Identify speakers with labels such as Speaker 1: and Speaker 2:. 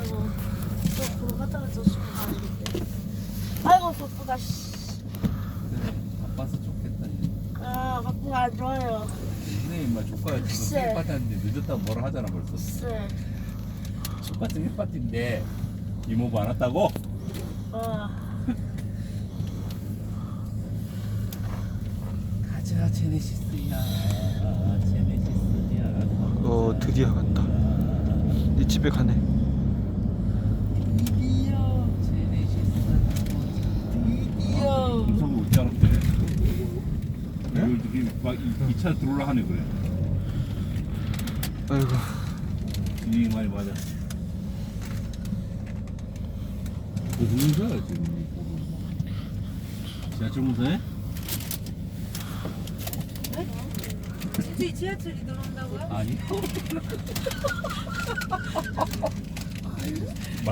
Speaker 1: 아이고 저 보러 갔다가 저 수고 가는데. 아이고 바쁘다. 씨.
Speaker 2: 그래, 바빠서 좋겠다.
Speaker 1: 아 바쁘가 안 좋아요.
Speaker 2: 선생님 막 조카가 지금
Speaker 1: 글쎄.
Speaker 2: 힐파티 하는데 늦었다고 뭐라 하잖아 벌써.
Speaker 1: 글쎄.
Speaker 2: 똑같은 힐파티인데 이모부 안 왔다고? 가자 제네시스야. 제네시스야.
Speaker 3: 드디어 간다. 네 집에 가네.
Speaker 1: 드디어. 드디어.
Speaker 2: 음성이 올줄 알았대. 이걸 되게 막 2차 들어올라 하네 그래.
Speaker 3: 아이고.
Speaker 2: 진이 많이 맞아. 공사야 지금. 지하철 공사해?
Speaker 4: 진짜 지하철이 들어온다고요?
Speaker 2: 아니.